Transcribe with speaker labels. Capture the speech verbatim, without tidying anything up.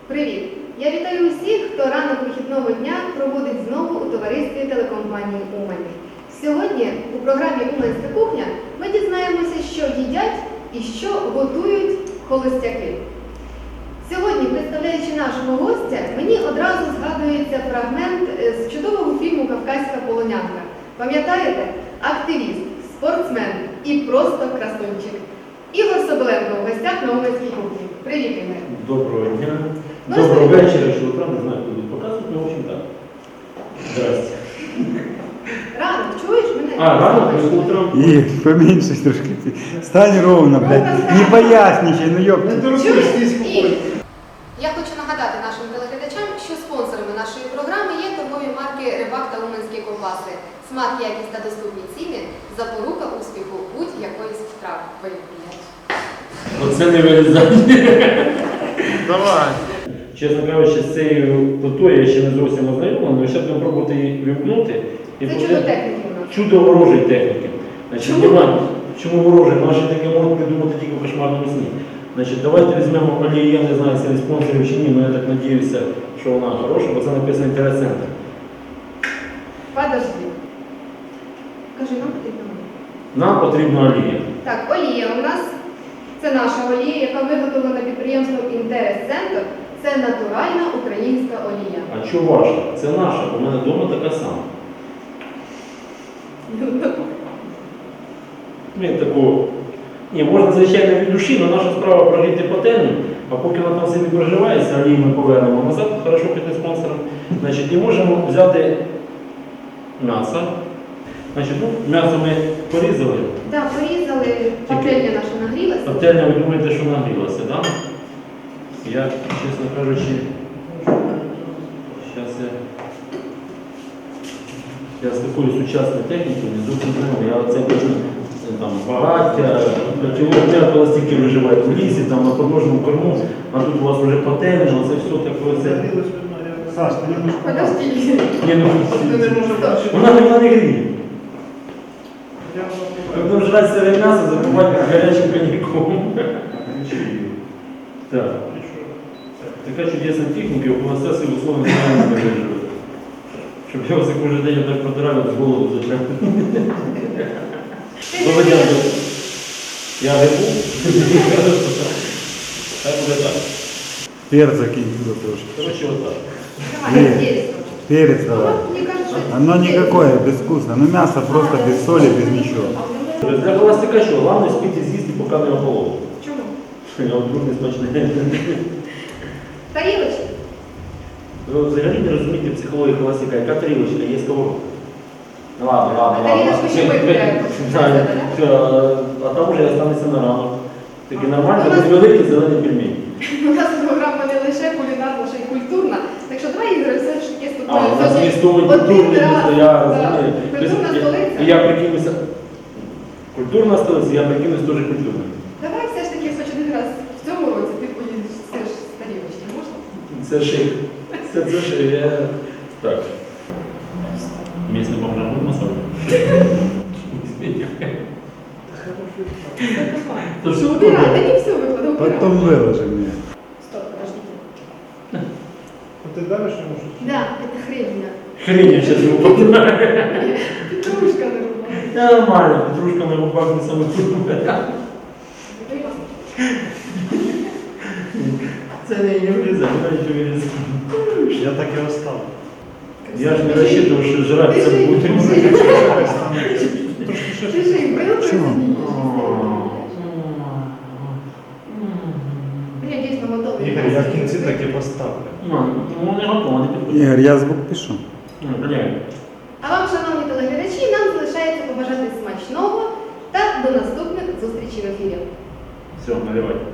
Speaker 1: Привіт! Я вітаю усіх, хто ранок вихідного дня проводить знову у товаристві телекомпанії Умань. Сьогодні у програмі «Уманська кухня» ми дізнаємося, що їдять і що готують холостяки. Сьогодні, представляючи нашого гостя, мені одразу згадується фрагмент з чудового фільму «Кавказька полонянка». Пам'ятаєте? Активіст, спортсмен і просто красунчик. Ігор Соболенко в гостях на Уманській кухні. Привіт, Ігор.
Speaker 2: Доброго дня.
Speaker 1: Ну,
Speaker 2: Доброго
Speaker 1: что
Speaker 2: вечера, что утра, не знаю, куда показывать, но в общем так. Здрасте.
Speaker 1: Ранок, чуєш мене?
Speaker 2: А, рано, ну, утром.
Speaker 3: И поменьше трошки. Стань ровно, блядь. Не поясничай, ну ёпта.
Speaker 1: Чуєш? І я хочу нагадати нашим телеглядачам, що спонсорами нашої програми є торгові марки «Рибак» та «Уманські ковбаси». Смак, якість та доступні ціни – запорука успіху будь-якої страви.
Speaker 2: Оце не вирізання.
Speaker 3: Давай.
Speaker 2: Чесно кажучи, з цією плитою я ще не зовсім ознайомлений, але зараз будемо пробувати її вимкнути. І
Speaker 1: Це
Speaker 2: буде
Speaker 1: чудо техніки у нас.
Speaker 2: Чудо ворожої техніки. Значить,
Speaker 1: Чому?
Speaker 2: Діма, чому ворожий? Наші таке можуть придумати тільки в кошмарному сні. Значить, давайте візьмемо олію, я не знаю, це спонсорів чи ні, але я так сподіваюся, що вона хороша, бо це написано інтерес-центр.
Speaker 1: Подожди. Кажи, нам потрібно олія.
Speaker 2: Нам потрібна олія.
Speaker 1: Так, олія у нас, це наша олія, яка виготовлена підприємством «Інтерес-центр». Це натуральна українська олія.
Speaker 2: А що ваша? Це наша, у мене вдома така сама. Він таку... Ні, можна, звичайно, від душі, але наша справа прогріти пательню, а поки вона там собі проживається, олію ми повернемо назад, хорошо піти спонсором. Значить, і можемо взяти м'ясо. Значить, ну, м'ясо ми порізали.
Speaker 1: Так, порізали, пательня наша нагрілася.
Speaker 2: Пательня, ви думаєте, що нагрілася, так? Да? Я, чесно кажучи, зараз я, я з такою сучасною технікою не зовсім знаю. Я оце бачу там багаття, котілок м'якого стільки виживає в лісі, там на подножному корму, а тут у вас вже пательня, це все таке. Це...
Speaker 3: Саш, ты не можешь
Speaker 1: Подожди.
Speaker 2: Ні, ну,
Speaker 1: Стоп.
Speaker 2: вона вона не гріє. Ми будемо жрати сире м'ясо, запивати гарячим коньяком. Так. Така чудесна техніка, у нас все условно не виживе. Щоб я вас кожен день так протирав, з голову зачем. Володя, я грибу. Хай буде так.
Speaker 3: перца кинь туда тоже.
Speaker 2: Короче, отак.
Speaker 1: Давай,
Speaker 3: Нет.
Speaker 1: перец.
Speaker 3: Перец давай.
Speaker 1: Мне кажется, что
Speaker 3: Оно
Speaker 1: это
Speaker 3: никакое, безвкусно. Ну мясо просто без соли, без ничего.
Speaker 2: Для холостяка що? Головне спіти з'їсти, поки не охололо.
Speaker 1: Чому?
Speaker 2: Я от дуже смачне.
Speaker 1: Тарілочки.
Speaker 2: Ви взагалі не розумієте психологію холостяка. Яка тарілочка? Є сковородка. Ну ладно, ладно,
Speaker 1: А
Speaker 2: ладно.
Speaker 1: тарілочку ще мити треба.
Speaker 2: Так, так, а там вже останеться на ранок. Такі нормальні, великі зелені пельмені.
Speaker 1: У нас програма не лише кулінарна, ще й культурна. Так що давай, Ігор, все ж таки з тобою.
Speaker 2: А, у нас
Speaker 1: сьогодні
Speaker 2: містовий
Speaker 1: один
Speaker 2: культурний
Speaker 1: раз,
Speaker 2: місто, я
Speaker 1: да,
Speaker 2: розумію.
Speaker 1: Культурна
Speaker 2: Тобто,
Speaker 1: столиця.
Speaker 2: І я прикинуся. Культурна столиця, я прикинусь теж культурною.
Speaker 1: Давай все ж таки хоч один раз в цьому році ти поїдеш все ж з тарілочки, можна?
Speaker 2: Це шик. Це, це шик. Я... Так. Місце бомжа будемо собі. То що ви
Speaker 1: Убирай, да не все виходить, убирай.
Speaker 3: Потом выложи мне.
Speaker 1: Стоп, подождите.
Speaker 4: Ты давишь ему что-то?
Speaker 1: Да, это хрень.
Speaker 2: Хрень зараз йому попадає.
Speaker 1: Петрушка нарубала.
Speaker 2: Нормально, петрушка на губах не саме культурна. Це не влізає, не що вирізати.
Speaker 4: Я так и оставлю.
Speaker 2: Я ж не розчитував, що жрати це буде.
Speaker 1: Ты же и был
Speaker 3: Чего?
Speaker 1: Я дійсно готовий.
Speaker 4: Игорь, я в кінці так і поставлю.
Speaker 2: Ну, не готово, не підходить.
Speaker 3: Игорь, я звук пишу.
Speaker 2: Ну, блядь.
Speaker 1: А вам, шановні телеглядачі, нам залишається побажати смачного та до наступних зустрічей в ефірі.
Speaker 2: Все, наливай.